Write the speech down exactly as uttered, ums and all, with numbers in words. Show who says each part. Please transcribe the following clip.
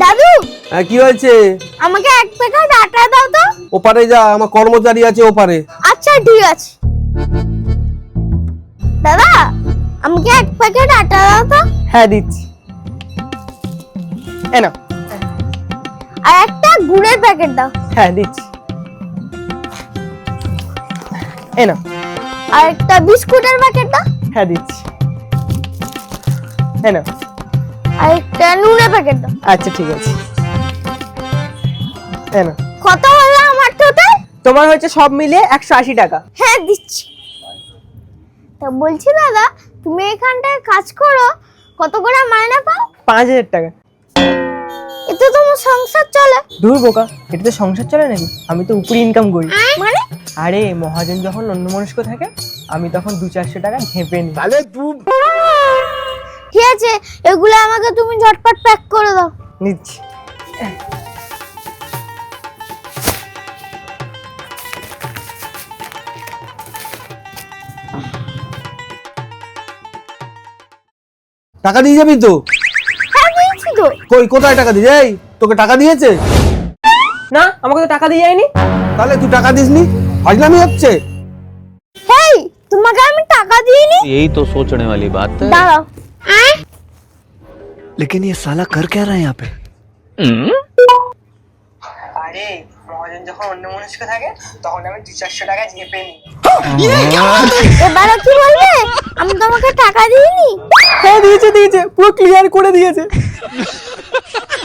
Speaker 1: দাদু
Speaker 2: হ্যাঁ কি হয়েছে?
Speaker 1: আমাকে এক প্যাকেট আটা দাও তো।
Speaker 2: ওপারে যা, আমার কর্মচারী আছে ওপারে।
Speaker 1: আচ্ছা ঠিক আছে। দাদা আমাকে এক প্যাকেট আটা দাও তো।
Speaker 3: হ্যাঁ দিচ্ছি। এ নাও।
Speaker 1: আর একটা গুড়ের প্যাকেট দাও।
Speaker 3: হ্যাঁ দিচ্ছি। এ নাও।
Speaker 1: আর একটা বিস্কুটের প্যাকেট দাও।
Speaker 3: হ্যাঁ দিচ্ছি। এ নাও।
Speaker 1: আর একটা নুনের প্যাকেট দাও।
Speaker 3: আচ্ছা ঠিক আছে। এ নাও।
Speaker 1: কত হলো আমার টোটাল?
Speaker 3: তোমার হচ্ছে সব মিলিয়ে একশো আশি টাকা।
Speaker 1: হ্যাঁ দিচ্ছি। তা বলছি দাদা, তুমি এখানটায় কাজ করো, কত করে মাইনে পাও?
Speaker 3: পাঁচ হাজার টাকা।
Speaker 1: এতে তোমার সংসার চলে?
Speaker 3: দূর বোকা, এটাতে সংসার চলে নাকি? আমি তো উপরে ইনকাম করি।
Speaker 1: মানে?
Speaker 3: আরে মহাজন যখন অন্যমনস্ক থাকে, আমি তখন দু চারশো টাকা ঘেপে নিই।
Speaker 1: ঠিক আছে, এগুলো আমাকে তুমি ঝটপট প্যাক করে দাও।
Speaker 3: নিচ্ছি।
Speaker 2: টাকা দিয়ে যাবি তো?
Speaker 1: হ্যাঁ দিয়েছি তো।
Speaker 2: কই কোথায় টাকা দিয়ে? এই তোকে টাকা দিয়েছে?
Speaker 3: না, আমাকে তো টাকা দিয়ে যায়নি।
Speaker 2: তাহলে তুই টাকা দিসনি? ফাজলামি হচ্ছে।
Speaker 1: হেই, তোমাকে আমি টাকা দিইনি।
Speaker 4: यही तो सोचने वाली बात है।
Speaker 1: দাঁড়াও।
Speaker 5: लेकिन ये साला कर क्या रहा है यहाँ पे?
Speaker 3: আরে মহাজন যখন অন্যমনস্ক থাকে, তখন আমি দু চারশো টাকা ঘেপে নিই।
Speaker 1: এবারে কি বলবে? আমি তোমাকে টাকা দিইনি।
Speaker 3: হ্যাঁ দিয়েছে দিয়েছে, পুরো ক্লিয়ার করে দিয়েছে।